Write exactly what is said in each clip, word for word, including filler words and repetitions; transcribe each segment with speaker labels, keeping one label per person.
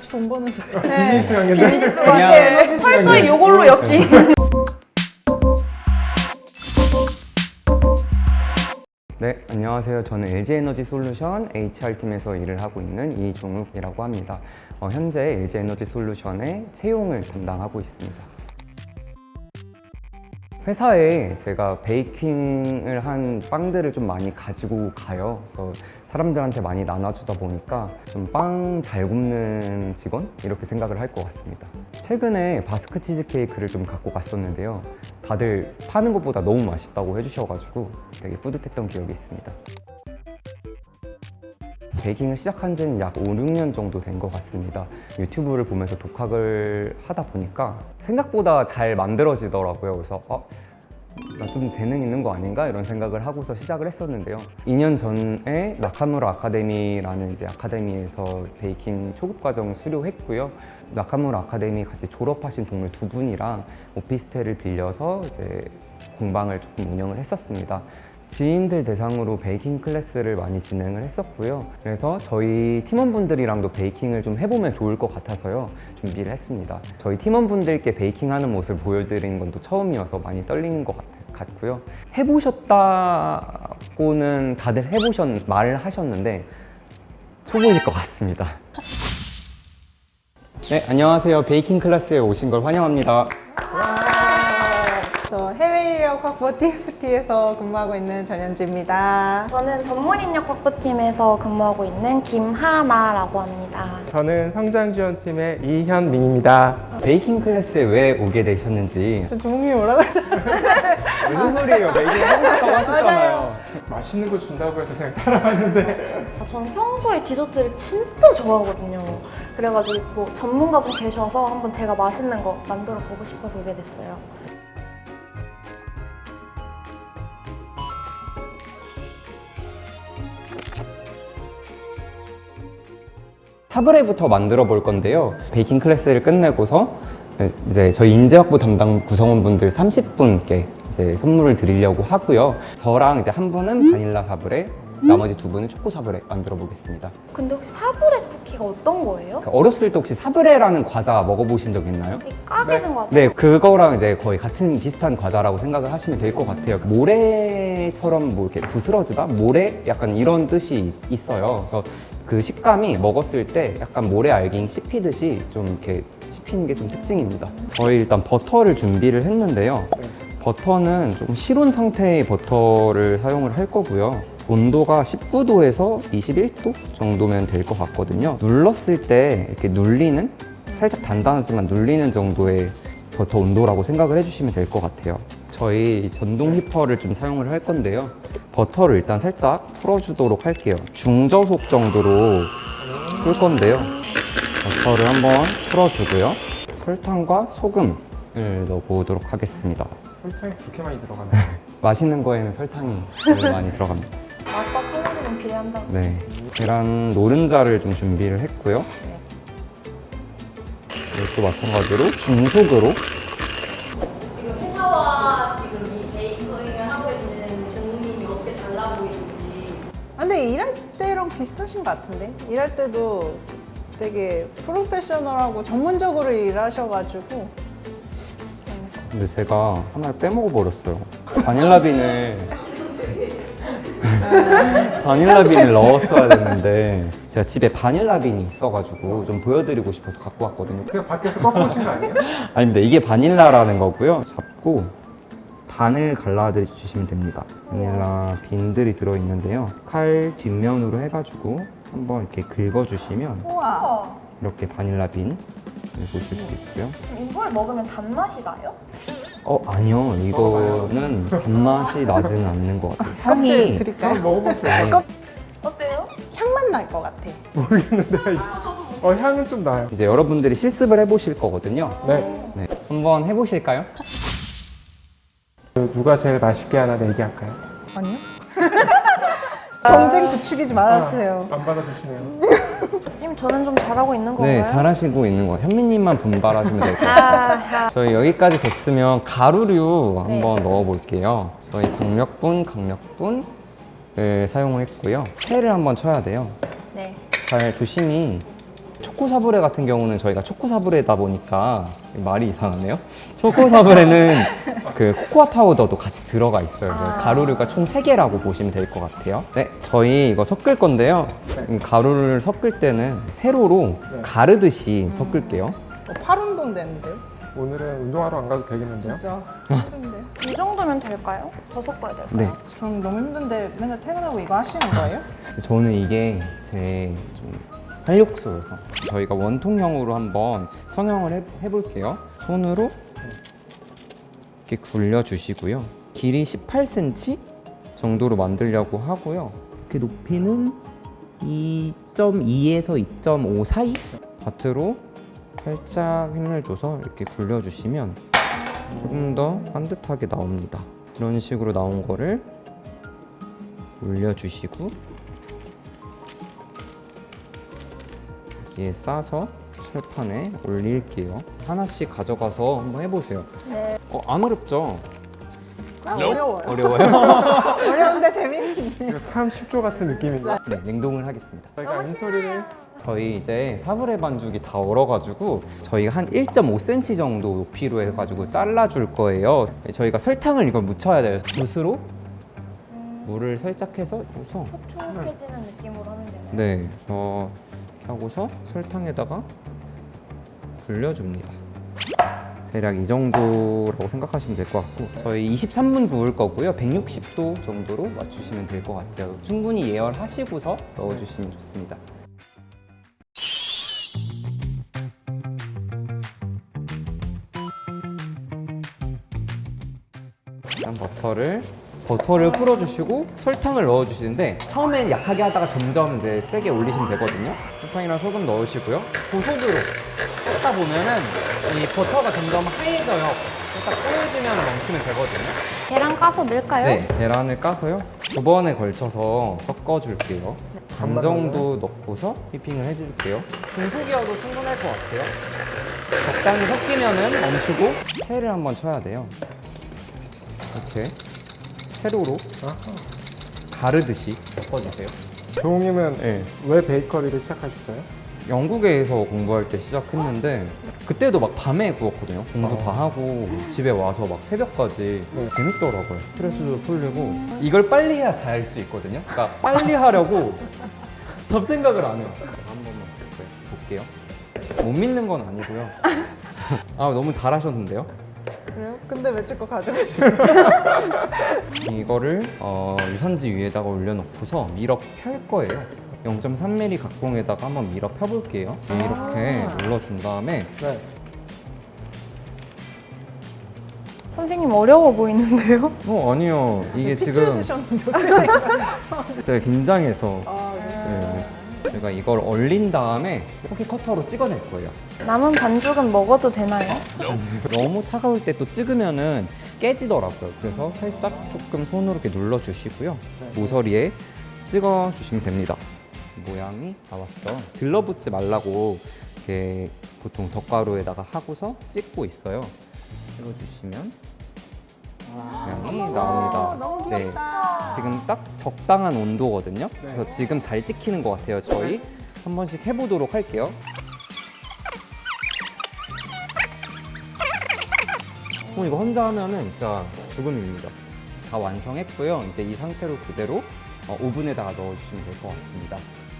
Speaker 1: 돈 버는 사람.
Speaker 2: 비즈니스 관계인데?
Speaker 3: 비즈니스
Speaker 2: 그냥
Speaker 3: 관계 철저히 요걸로 엮기.
Speaker 4: 네, 안녕하세요. 저는 엘지에너지솔루션 에이치알팀에서 일을 하고 있는 이종욱이라고 합니다. 어, 현재 엘지에너지솔루션의 채용을 담당하고 있습니다. 회사에 제가 베이킹을 한 빵들을 좀 많이 가지고 가요. 그래서 사람들한테 많이 나눠주다 보니까 좀 빵 잘 굽는 직원? 이렇게 생각을 할 것 같습니다. 최근에 바스크 치즈케이크를 좀 갖고 갔었는데요. 다들 파는 것보다 너무 맛있다고 해주셔가지고 되게 뿌듯했던 기억이 있습니다. 베이킹을 시작한 지는 약 오, 육 년 정도 된 것 같습니다. 유튜브를 보면서 독학을 하다 보니까 생각보다 잘 만들어지더라고요. 그래서 어, 나 좀 재능 있는 거 아닌가? 이런 생각을 하고서 시작을 했었는데요. 이 년 전에 나카무라 아카데미라는 이제 아카데미에서 베이킹 초급 과정 수료했고요. 나카무라 아카데미 같이 졸업하신 동료 두 분이랑 오피스텔을 빌려서 이제 공방을 조금 운영을 했었습니다. 지인들 대상으로 베이킹 클래스를 많이 진행을 했었고요. 그래서 저희 팀원분들이랑도 베이킹을 좀 해보면 좋을 것 같아서요. 준비를 했습니다. 저희 팀원분들께 베이킹하는 모습을 보여드리는 건 또 처음이어서 많이 떨리는 것 같고요. 해보셨다고는 다들 해보셨, 말을 하셨는데 초보일 것 같습니다. 네, 안녕하세요. 베이킹 클래스에 오신 걸 환영합니다.
Speaker 1: 저 해외 인력 확보 티에프티에서 근무하고 있는 전현지입니다.
Speaker 3: 저는 전문 인력 확보팀에서 근무하고 있는 김하나라고 합니다.
Speaker 2: 저는 성장지원팀의 이현민입니다.
Speaker 4: 베이킹 클래스에 왜 오게 되셨는지.
Speaker 1: 저 종욱님이 뭐라고 했죠?
Speaker 4: 무슨 소리예요? 베이킹 하고 싶다고 하셨잖아요.
Speaker 2: 맛있는 거 준다고 해서 그냥 따라왔는데
Speaker 3: 아, 저는 평소에 디저트를 진짜 좋아하거든요. 그래가지고 뭐 전문가분 계셔서 한번 제가 맛있는 거 만들어 보고 싶어서 오게 됐어요.
Speaker 4: 타브레부터 만들어 볼 건데요. 베이킹 클래스를 끝내고서 이제 저희 인재 확보 담당 구성원분들 삼십 분께 이제 선물을 드리려고 하고요. 저랑 이제 한 분은 바닐라 사브레, 나머지 두 분은 초코 사브레 만들어 보겠습니다.
Speaker 3: 근데 혹시 사브레 쿠키가 어떤 거예요?
Speaker 4: 어렸을 때 혹시 사브레라는 과자 먹어보신 적 있나요?
Speaker 3: 이 까게 된 거 같아요.
Speaker 4: 네, 그거랑 이제 거의 같은 비슷한 과자라고 생각을 하시면 될 것 같아요. 모래처럼 뭐 이렇게 부스러지다? 모래? 약간 이런 뜻이 있어요. 그래서 그 식감이 먹었을 때 약간 모래 알갱이 씹히듯이 좀 이렇게 씹히는 게 좀 특징입니다. 저희 일단 버터를 준비를 했는데요. 버터는 조금 실온 상태의 버터를 사용을 할 거고요. 온도가 십구 도에서 이십일 도 정도면 될 것 같거든요. 눌렀을 때 이렇게 눌리는, 살짝 단단하지만 눌리는 정도의 버터 온도라고 생각을 해주시면 될 것 같아요. 저희 전동 휘퍼를 좀 사용을 할 건데요. 버터를 일단 살짝 풀어주도록 할게요. 중저속 정도로 풀 건데요. 버터를 한번 풀어주고요. 설탕과 소금을 넣어보도록 하겠습니다.
Speaker 2: 설탕이 그렇게 많이 들어가나요?
Speaker 4: 맛있는 거에는 설탕이 제일 많이 들어갑니다.
Speaker 3: 맛과 칼로리는 비례한다.
Speaker 4: 네, 계란 노른자를 좀 준비를 했고요. 이것도 마찬가지로 중속으로.
Speaker 5: 지금 회사와 지금 이 베이커링을 하고 계시는 종욱님이 어떻게 달라 보이는지.
Speaker 1: 아, 근데 일할 때랑 비슷하신 것 같은데? 일할 때도 되게 프로페셔널하고 전문적으로 일하셔가지고
Speaker 4: 근데 제가 하나를 빼먹어 버렸어요. 바닐라빈을 바닐라빈을 넣었어야 됐는데 제가 집에 바닐라빈이 있어가지고 좀 보여드리고 싶어서 갖고 왔거든요.
Speaker 2: 그냥 밖에서 꺾고 오신 거 아니에요?
Speaker 4: 아닙니다. 이게 바닐라라는 거고요. 잡고 반을 갈라 주시면 됩니다. 바닐라 빈들이 들어있는데요. 칼 뒷면으로 해가지고 한번 이렇게 긁어주시면
Speaker 1: 우와.
Speaker 3: 우와,
Speaker 4: 이렇게 바닐라 빈을 보실 수 있고요.
Speaker 3: 그럼 이걸 먹으면 단맛이 나요?
Speaker 4: 어 아니요, 이거는 단맛이 나지는 않는 것 같아요.
Speaker 1: 껍질
Speaker 4: 향이
Speaker 1: 드릴까요?
Speaker 2: 한번 먹어볼게요.
Speaker 4: 아니,
Speaker 3: 어때요?
Speaker 1: 향만 날 것 같아.
Speaker 2: 어, 향은 좀 나요.
Speaker 4: 이제 여러분들이 실습을 해보실 거거든요.
Speaker 2: 네.
Speaker 4: 네, 한번 해보실까요?
Speaker 2: 누가 제일 맛있게 하나 내기할까요?
Speaker 1: 아니요? 경쟁 부추기지 말아주세요.
Speaker 2: 안 받아주시네요.
Speaker 3: 님 저는 좀 잘하고 있는 건가요?
Speaker 4: 네, 잘하시고 있는 거. 현미님만 분발하시면 될 것 같아요.
Speaker 3: 아,
Speaker 4: 저희 여기까지 됐으면 가루류 한번 넣어볼게요. 저희 강력분, 강력분을 사용을 했고요. 체를 한번 쳐야 돼요.
Speaker 1: 네.
Speaker 4: 잘 조심히 초코 사브레 같은 경우는 저희가 초코 사브레다 보니까 말이 이상하네요. 초코 사브레는 그 코코아 파우더도 같이 들어가 있어요. 그래서 가루류가 총 세 개라고 보시면 될 것 같아요. 네, 저희 이거 섞을 건데요. 이 가루를 섞을 때는 세로로 가르듯이 섞을게요.
Speaker 1: 어, 팔 운동 되는데요?
Speaker 2: 오늘은 운동하러 안 가도 되겠는데요?
Speaker 1: 진짜 힘든데.
Speaker 3: 이 정도면 될까요? 더 섞어야 될까요?
Speaker 4: 네,
Speaker 1: 전 너무 힘든데 맨날 퇴근하고 이거 하시는 거예요?
Speaker 4: 저는 이게 제 좀 활력소여서 저희가 원통형으로 한번 성형을 해, 해볼게요. 손으로 이렇게 굴려주시고요. 길이 십팔 센티미터 정도로 만들려고 하고요. 이렇게 높이는 이 점 이에서 이 점 오 사이 밭으로 살짝 힘을 줘서 이렇게 굴려주시면 조금 더 반듯하게 나옵니다. 이런 식으로 나온 거를 올려주시고 여기에 싸서 철판에 올릴게요. 하나씩 가져가서 한번 해보세요.
Speaker 1: 네.
Speaker 4: 어, 안 어렵죠?
Speaker 1: 아, 어려워요.
Speaker 4: 어려워요?
Speaker 1: 어려운데 재밌는데.
Speaker 2: 이거 참 쉽죠 같은 느낌인데.
Speaker 4: 네, 냉동을 하겠습니다.
Speaker 2: 저희가 인소리를
Speaker 4: 저희 이제 사브레 반죽이 다 얼어가지고 저희가 한 일 점 오 센티미터 정도 높이로 해가지고 잘라줄 거예요. 저희가 설탕을 이걸 묻혀야 돼요. 붓으로 물을 살짝 해서 해서
Speaker 3: 촉촉해지는 느낌으로 하면 되나요?
Speaker 4: 네, 어, 이렇게 하고서 설탕에다가 굴려줍니다. 대략 이 정도라고 생각하시면 될 것 같고 저희 이십삼 분 구울 거고요. 백육십 도 정도로 맞추시면 될 것 같아요. 충분히 예열하시고서 넣어주시면 좋습니다. 일단 버터를 버터를 풀어주시고 설탕을 넣어주시는데 처음엔 약하게 하다가 점점 이제 세게 올리시면 되거든요. 설탕이랑 소금 넣으시고요. 고속으로 끓다 보면은 이 버터가 점점 하얘져요. 살짝 꼬여지면 멈추면 되거든요.
Speaker 3: 계란 까서 넣을까요?
Speaker 4: 네, 계란을 까서요. 두 번에 걸쳐서 섞어줄게요. 반 정도 넣고서 휘핑을 해줄게요. 중속이어도 충분할 것 같아요. 적당히 섞이면은 멈추고 채를 한번 쳐야 돼요. 이렇게 세로로 가르듯이 섞어주세요.
Speaker 2: 조웅님은
Speaker 4: 네.
Speaker 2: 왜 베이커리를 시작하셨어요?
Speaker 4: 영국에서 공부할 때 시작했는데 그때도 막 밤에 구웠거든요. 공부 다 하고 집에 와서 막 새벽까지
Speaker 2: 네.
Speaker 4: 재밌더라고요. 스트레스도 풀리고 이걸 빨리 해야 잘 수 있거든요. 그러니까 빨리 하려고 잡생각을 안 해요. 한 번만 볼게요. 못 믿는 건 아니고요. 아 너무 잘하셨는데요.
Speaker 1: 그래요? 근데 왜 찍고 가져가시어요?
Speaker 4: 이거를 어, 유산지 위에다가 올려놓고서 밀어 펼 거예요. 영 점 삼 밀리미터 각봉에다가 한번 밀어 펴볼게요. 이렇게 눌러준 다음에
Speaker 2: 네.
Speaker 3: 선생님 어려워 보이는데요?
Speaker 4: 어 아니요 이게
Speaker 1: 핏줄
Speaker 4: 지금
Speaker 1: 쓰셨는데 어떻게
Speaker 4: 제가 긴장해서
Speaker 1: 아,
Speaker 4: 네. 제가 이걸 얼린 다음에 쿠키 커터로 찍어낼 거예요.
Speaker 3: 남은 반죽은 먹어도 되나요?
Speaker 4: 너무 차가울 때 또 찍으면은 깨지더라고요. 그래서 살짝 조금 손으로 이렇게 눌러주시고요. 모서리에 찍어주시면 됩니다. 모양이 나왔죠. 들러붙지 말라고 이렇게 보통 덧가루에다가 하고서 찍고 있어요. 찍어주시면 모양이 나옵니다.
Speaker 1: 너무
Speaker 4: 네.
Speaker 1: 귀엽다.
Speaker 4: 지금 딱 적당한 온도거든요. 그래서 지금 잘 찍히는 것 같아요. 저희 한 번씩 해보도록 할게요. 어, 이거 혼자 하면은 진짜 죽음입니다. 다 완성했고요. 이제 이 상태로 그대로 어, 오븐에다가 넣어주시면 될 것 같습니다.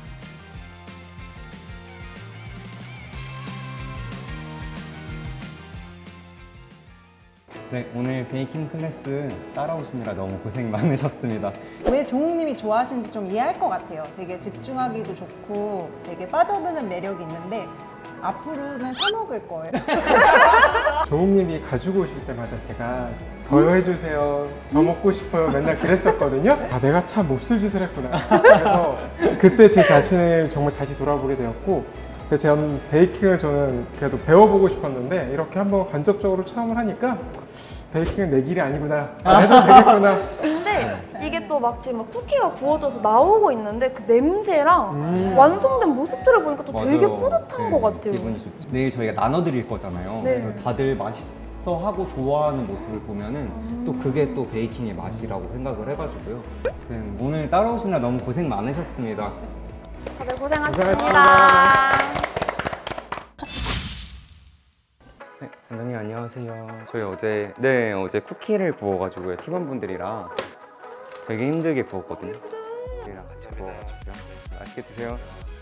Speaker 4: 네, 오늘 베이킹 클래스 따라오시느라 너무 고생 많으셨습니다.
Speaker 1: 왜 종욱님이 좋아하시는지 좀 이해할 것 같아요. 되게 집중하기도 좋고 되게 빠져드는 매력이 있는데 앞으로는 사 먹을 거예요.
Speaker 2: 조웅님이 가지고 오실 때마다 제가 더 해주세요, 더 먹고 싶어요 맨날 그랬었거든요. 아 내가 참 몹쓸 짓을 했구나. 그래서 그때 제 자신을 정말 다시 돌아보게 되었고 근데 전 베이킹을 저는 그래도 배워보고 싶었는데 이렇게 한번 간접적으로 체험을 하니까 베이킹은 내 길이 아니구나, 안 해도 되겠구나.
Speaker 3: 근데 이게 또 막 지금 막 쿠키가 구워져서 나오고 있는데 그 냄새랑
Speaker 2: 음.
Speaker 3: 완성된 모습들을 보니까 또 되게
Speaker 4: 맞아요.
Speaker 3: 뿌듯한
Speaker 4: 네,
Speaker 3: 것 같아요.
Speaker 4: 기분이 좋죠. 내일 저희가 나눠드릴 거잖아요.
Speaker 3: 네.
Speaker 4: 그래서 다들 맛있어하고 좋아하는 모습을 보면은 또 그게 또 베이킹의 맛이라고 생각을 해가지고요. 아무튼 오늘 따라오시느라 너무 고생 많으셨습니다.
Speaker 3: 다들 고생하셨습니다.
Speaker 2: 고생하셨습니다.
Speaker 4: 원장님 안녕하세요. 저희 어제 네 어제 쿠키를 구워가지고요 팀원분들이랑 되게 힘들게 구웠거든요. 우리랑 같이 구워가지고요. 맛있게 드세요.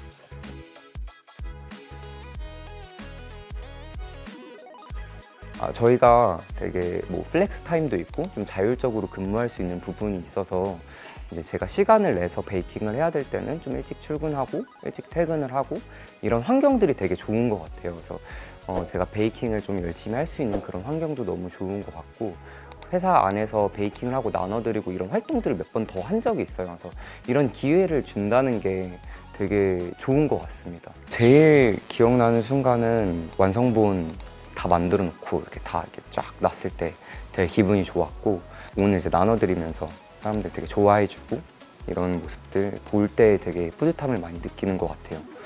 Speaker 4: 아, 저희가 되게 뭐 플렉스 타임도 있고 좀 자율적으로 근무할 수 있는 부분이 있어서 이제 제가 시간을 내서 베이킹을 해야 될 때는 좀 일찍 출근하고 일찍 퇴근을 하고 이런 환경들이 되게 좋은 것 같아요. 그래서 어, 제가 베이킹을 좀 열심히 할 수 있는 그런 환경도 너무 좋은 것 같고 회사 안에서 베이킹을 하고 나눠드리고 이런 활동들을 몇 번 더 한 적이 있어요. 그래서 이런 기회를 준다는 게 되게 좋은 것 같습니다. 제일 기억나는 순간은 완성본 다 만들어 놓고 이렇게 다 이렇게 쫙 놨을 때 되게 기분이 좋았고 오늘 이제 나눠드리면서 사람들 되게 좋아해주고 이런 모습들 볼 때 되게 뿌듯함을 많이 느끼는 것 같아요.